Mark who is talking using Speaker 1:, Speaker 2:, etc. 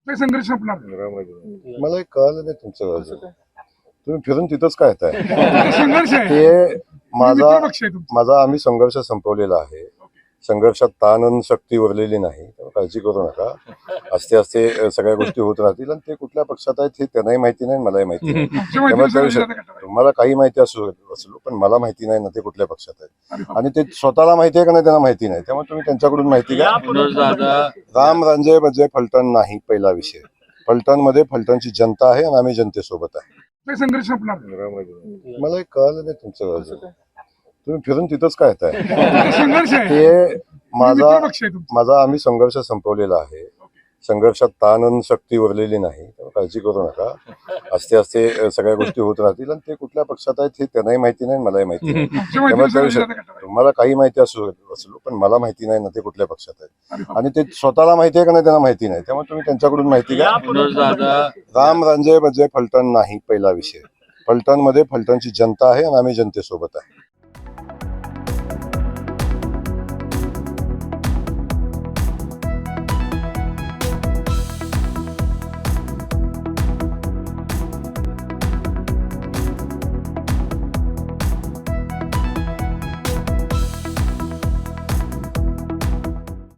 Speaker 1: नाही संघर्ष संपणार.
Speaker 2: मला एक कळलं नाही तुमचं अजून. तुम्ही फिरून तिथंच काय येताय?
Speaker 1: संघर्ष आहे.
Speaker 2: ते माझा
Speaker 1: मित्रपक्ष आहे तुमचा.
Speaker 2: आम्ही संघर्ष संपवलेला आहे. संघर्षात ताण आणि शक्ती उरलेली नाही, त्यामुळे काळजी करू नका. असते असते सगळ्या गोष्टी होत राहतील आणि ते कुठल्या पक्षात आहेत हे त्यांनाही माहिती नाही, मलाही माहिती नाही. त्यामुळे त्या विषयात तुम्हाला काही माहिती असलो पण मला माहिती नाही ना ते कुठल्या पक्षात आहेत, आणि ते स्वतःला माहिती आहे का नाही त्यांना माहिती नाही. त्यामुळे तुम्ही त्यांच्याकडून माहिती घ्या. राम रांजे म्हणजे फलटण नाही पहिला विषय. फलटणमध्ये फलटणची जनता आहे आणि आम्ही जनतेसोबत आहे.
Speaker 1: नाही संघर्ष संपणार.
Speaker 2: मला एक कळलं नाही तुमचं अजून. तुम्ही फिरून तिथंच काय येताय?
Speaker 1: संघर्ष आहे.
Speaker 2: ते
Speaker 1: मित्रपक्ष आहे तुमचा.
Speaker 2: आम्ही संघर्ष संपवलेला आहे. संघर्षात ताण आणि शक्ती उरलेली नाही, त्यामुळे काळजी करू नका. असते असते सगळ्या गोष्टी होत राहतील आणि ते कुठल्या पक्षात आहेत हे त्यांनाही माहिती नाही, मलाही माहिती नाही. त्यामुळे त्या विषयात तुम्हाला काही माहिती असलो पण मला माहिती नाही ना ते कुठल्या पक्षात आहेत, आणि ते स्वतःला माहिती आहे का नाही त्यांना माहिती नाही. त्यामुळे तुम्ही त्यांच्याकडून माहिती घ्या. राम रांजे म्हणजे फलटण नाही पहिला विषय. फलटणमध्ये फलटणची जनता आहे आणि आम्ही जनतेसोबत आहे.